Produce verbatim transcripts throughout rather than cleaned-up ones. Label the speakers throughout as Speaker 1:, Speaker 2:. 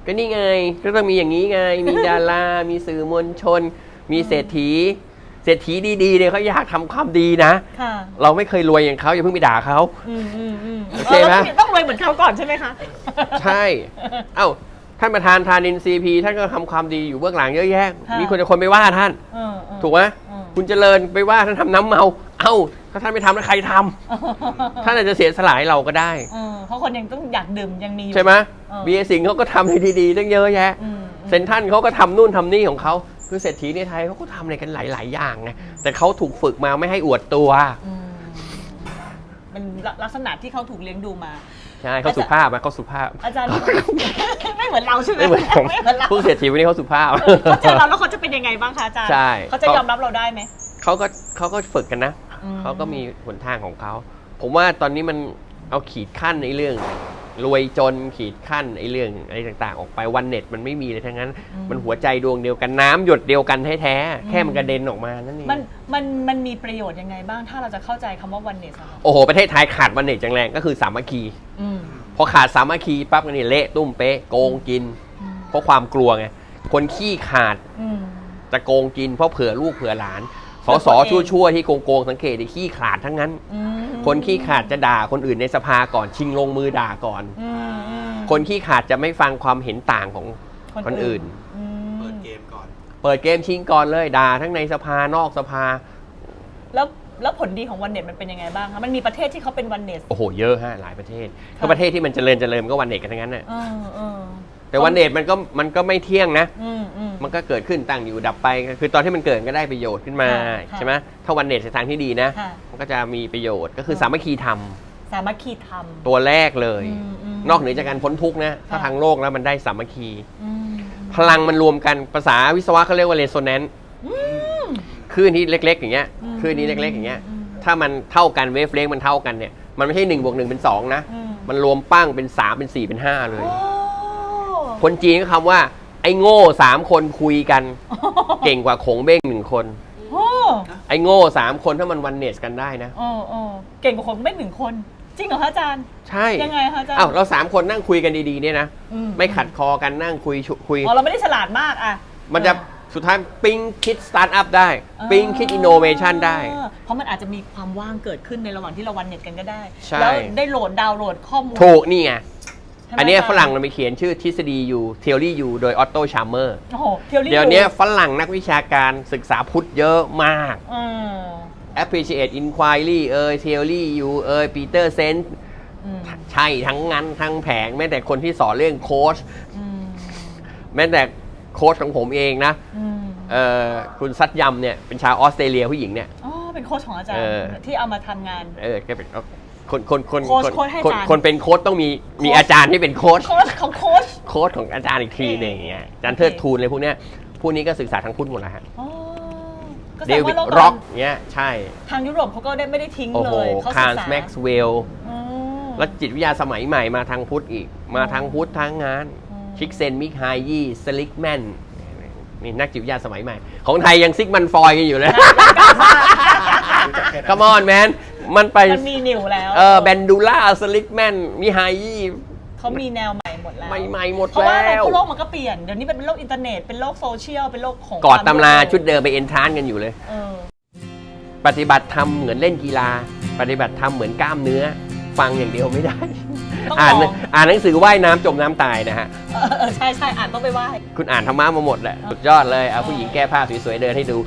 Speaker 1: ก็นี่ไงก็ต้องมีอย่างนี้ไงมีดารามีสื่อมวลชนมีเศรษฐีเศรษฐีดีๆเนี่ยเขาอยากทำความดีนะเราไม่เคยรวยอย่างเขาอย่าเพิ่งไปด่าเขาโอเคไหม
Speaker 2: ต้องรวยเหมือนเขาก่อนใช่ไหมคะ
Speaker 1: ใช่เอ้าท่านประธานธานินทร์ ซี พี ท่านก็ทำความดีอยู่เบื้องหลังเยอะแยะมีคนจะคนไปว่าท่านถูกไหมคุณเจริญไปว่าท่านทำน้ำเมาเอ้าถ้าท่านไม่ทำแล้วใครทำท่านอาจจะเสียสละให้เราก็ได้
Speaker 2: เพราะคนยังต้องอยากดื่มยังมีอยู่
Speaker 1: ใช่ไหมเบียร์สิงห์เขาก็ทำในดีๆตั้งเยอะแยะเซนทรัลเขาก็ทำนู่นทำนี่ของเขาคือเศรษฐีในไทยเขาก็ทำอะไรกันหลายๆอย่างไงแต่เขาถูกฝึกมาไม่ให้อวดตัว
Speaker 2: มันลักษณะที่เขาถูกเลี้ยงดูมา
Speaker 1: ใช่เขาสุภาพนะเขาสุภาพ
Speaker 2: อาจารย์ไม่เหมือนเราใช่ไหม
Speaker 1: ไม่เหมือนผมผู้เศรษฐีวันนี้เขาสุภาพ
Speaker 2: เขาเจอเราแล้วเขาจะเป็นยังไงบ้างคะอาจารย์เขาจะยอมรับเราได้ไหม
Speaker 1: เขาก็เขาก็ฝึกกันนะเขาก็มีหนทางของเขาผมว่าตอนนี้มันเอาขีดขั้นในเรื่องรวยจนขีดขั้นไอ้เรื่องอะไรต่างๆออกไปวันเน็ตมันไม่มีเลยทั้งนั้นมันหัวใจดวงเดียวกันน้ำหยดเดียวกันแท้ๆแค่มันกระเด็นออกมานั่นเอง
Speaker 2: มันมันมันมีประโยชน์ยังไงบ้างถ้าเราจะเข้าใจคำว่าวันเน็ต
Speaker 1: โอ้โหประเทศไทยขาดวันเน็ตจังแรงก็คือสามัคคีพอขาดสามัคคีปั๊บนี่เละตุ้มเป๊ะโกงกินเพราะความกลัวไงคนขี้ขาดจะโกงกินเพราะเผื่อลูกเผื่อหลานสสชั่วๆที่โกงๆสังเกตดิขี้ขาดทั้งนั้นคนขี้ขาดจะด่าคนอื่นในสภาก่อนชิงลงมือด่าก่อนคนขี้ขาดจะไม่ฟังความเห็นต่างของคนอื่น
Speaker 3: เปิดเกมก่อน
Speaker 1: เปิดเกมชิงก่อนเลยด่าทั้งในสภานอกสภา
Speaker 2: แล้วแล้วผลดีของวันเน็ตมันเป็นยังไงบ้างคะมันมีประเทศที่เขาเป็นวันเน็ต
Speaker 1: โอ้โหเยอะฮะหลายประเทศถ้าประเทศที่มันเจริญเจริญก็วันเน็ตกันทั้งนั้นน่ะแต่วันเน็ตมันก็มันก็ไม่เที่ยงนะมันก็เกิดขึ้นตั้งอยู่ดับไปคือตอนที่มันเกิดก็ได้ประโยชน์ขึ้นมาใช่ไหมถ้าวันเน็ตในทางที่ดีนะมันก็จะมีประโยชน์ก็คือสามัคคีธรรม
Speaker 2: สามัคคีธรรม
Speaker 1: ตัวแรกเลยนอกเหนือจากการพ้นทุกข์นะถ้าทางโลกแล้วมันได้สามัคคีพลังมันรวมกันภาษาวิศวะเขาเรียกว่าเรโซแนนซ์คลื่นที่เล็กๆอย่างเงี้ยคลื่นนี้เล็กๆอย่างเงี้ยถ้ามันเท่ากันเวฟเลนมันเท่ากันเนี่ยมันไม่ใช่หนึ่งบวกหนึ่งเป็นสองนะมันรวมปั้งเป็นสามเป็นสี่เป็นห้าเลยคนจีนก็คำว่าไอ้โง่สามคนคุยกันเก่งกว่าขงเบ้งหนึ่งคนไอ้โง่สามคนถ้ามันวันเนสกันได้นะ
Speaker 2: เก่งกว่าขงเบ้งหนึ่งคนจริงเหรอคะอาจารย์
Speaker 1: ใช่
Speaker 2: ยังไงคะอาจารย์
Speaker 1: อ้าวเราสามคนนั่งคุยกันดีๆเนี่ยนะไม่ขัดคอกันนั่งคุยคุย
Speaker 2: อ๋อเราไม่ได้ฉลาดมากอ่ะ
Speaker 1: มันจะสุดท้ายปิ๊งคิดสตาร์ทอัพได้ปิ๊งคิดอินโนเวชันได้
Speaker 2: เพราะมันอาจจะมีความว่างเกิดขึ้นในระหว่างที่เราวันเน็ตกันก็ได้แล้วได้โหลดดาวน์โหลดข้อมูล
Speaker 1: ถูกนี่ไงอันนี้ฝรั่งเราไปเขียนชื่อทฤษฎีอยู่ theory อยู่โดยออตโตชาร์เมอร์เดี๋ยวนี้ฝรั่งนักวิชาการศึกษาพุทธเยอะมาก appreciate inquiry เอ่ย theory อยู่เอ่ย Peter Sense ใช่ทั้งนั้นทั้งแผงแม้แต่คนที่สอนเรื่องโค้ชแม้แต่โค้ชของผมเองนะคุณซัดยำเนี่ยเป็นชาวออสเตรเลียผู้หญิงเนี่ย
Speaker 2: อ๋อเป็นโค้ชของอาจารย์ที่เอามาทำงาน
Speaker 1: เออแกเป็นคนคนคนคนคนเป็นโค้ชต้องมีมีอาจารย์ที่เป็นโค้ช
Speaker 2: โค้ชของโค้ช
Speaker 1: โค้ชของอาจารย์อีกทีหนึ่งอย่างเงี้ยอาจารย์เทิดทูนเลยพวกเนี้ยพวกนี้ก็ศึกษาทางพุทธหมดแล้วฮะเดวิดร็อกเงี้ยใช่
Speaker 2: ทางยุโรปเขาก็ได้ไม่ได้ทิ้งเลย
Speaker 1: เขาศึกษาคาร์ลแม็กซ์เวลล์แล้วจิตวิทยาสมัยใหม่มาทางพุทธอีกมาทางพุทธทางงานชิกเซนมิกไฮยี่สลิกแมนนี่นักจิตวิทยาสมัยใหม่ของไทยยังซิกมันฟอยกันอยู่เลยคัมออนแมนมันไป
Speaker 2: มันมีนิวแล้ว
Speaker 1: เออแบนดูล่าสลิกแมนมีไฮยี่
Speaker 2: เขามีแนวใหม่หมดแล้ว
Speaker 1: ใหม่ๆหมดแล้ว
Speaker 2: เพราะว่าอะไรโลกมันก็เปลี่ยนเดี๋ยวนี้เป็นโลกอินเทอร์เน็ตเป็นโลกโซเชียลเป็นโลกของ
Speaker 1: กอดตำราชุดเดิมไปเอนทรานกันอยู่เลยปฏิบัติธรรมเหมือนเล่นกีฬาปฏิบัติธรรมเหมือนกล้ามเนื้อฟังอย่างเดียวไม่ได้อ่านอ่านหนังสือว่ายน้ำจมน้ำตายนะฮะ
Speaker 2: เออใช่ใช่อ่านต้องไปว่าย
Speaker 1: คุณอ่านธรรมะมาหมดแหละสุดยอดเลยเอาผู้หญิงแก้ผ้าสวยๆเดินให้ดู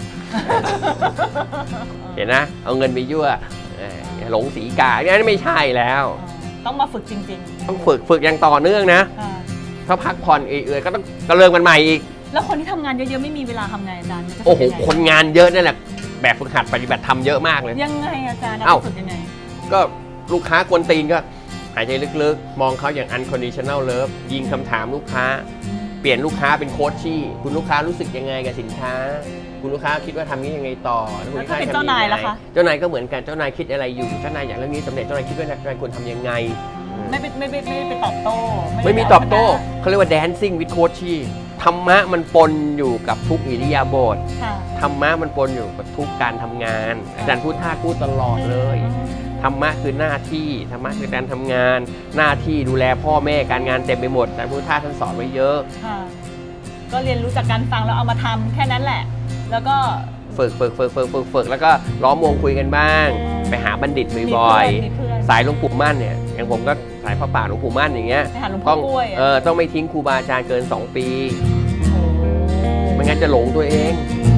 Speaker 1: เห็นนะเอาเงินไปยั่วหลงสีกาอันนี้ไม่ใช่แล้ว
Speaker 2: ต้องมาฝึกจริง
Speaker 1: ๆต้องฝึกฝึกอย่างต่อเนื่องนะถ้าพักผ่อนเอื่อยๆก็ต้องกระเริงมันใหม่อีก
Speaker 2: แล้วคนที่ทำงานเยอะๆไม่มีเวลาทำไงอาจารย์
Speaker 1: โอ้โหคนงานเยอะนั่นแหละแบบฝึกหัดปฏิบัติทำเยอะมากเลย
Speaker 2: ยังไงอาจารย์เอาฝึกยังไง
Speaker 1: ก็ลูกค้ากวนตีนก็หายใจลึกๆมองเขาอย่าง unconditional love ยิงคำถามลูกค้าเปลี่ยนลูกค้าเป็นโค้ชชี่คุณลูกค้ารู้สึกยังไงกับสินค้าคุณลูกค้าคิดว่าทำนี้ยังไงต่อ
Speaker 2: แล้วคุณลูกค้าเป็นเจ้านายล่ะคะ
Speaker 1: เจ้านายก็เหมือนกันเจ้านายคิดอะไรอยู่เจ้านายอยากเรื่องนี้สำเร็จเจ้านายคิดว่าเจ้านายควรทำยังไง
Speaker 2: ไม่ไม่ไม่ไม่ไปตอบโต้
Speaker 1: ไม่มีตอบโต้เขาเรียกว่า dancing with coach ชี่ธรรมะมันปนอยู่กับทุกอิริยาบถธรรมะมันปนอยู่กับทุกการทำงานอาจารย์พูดท่าพูดตลอดเลยธรรมะคือหน้าที่ธรรมะคือการทำงานหน้าที่ดูแลพ่อแม่การงานเต็มไปหมดแต่พุทธทาสท่านสอนไว้เยอะ
Speaker 2: ค่ะก็เรียนรู้จากการฟังแล้วเอามาทำแค่นั้นแหละ แล้วก็
Speaker 1: ฝึกฝึกฝึกฝึกฝึกฝึกแล้วก็ล้อมวงคุยกันบ้างไปหาบัณฑิตบ่อยๆสายหลวงปู่มั่นเนี่ยอย่างผมก็สายพระป่าหลวงปู่มั่นอย่างเงี้ยต้องเออต้องไม่ทิ้งครูบาอาจารย์เกินสองปีไม่งั้นจะหลงตัวเอง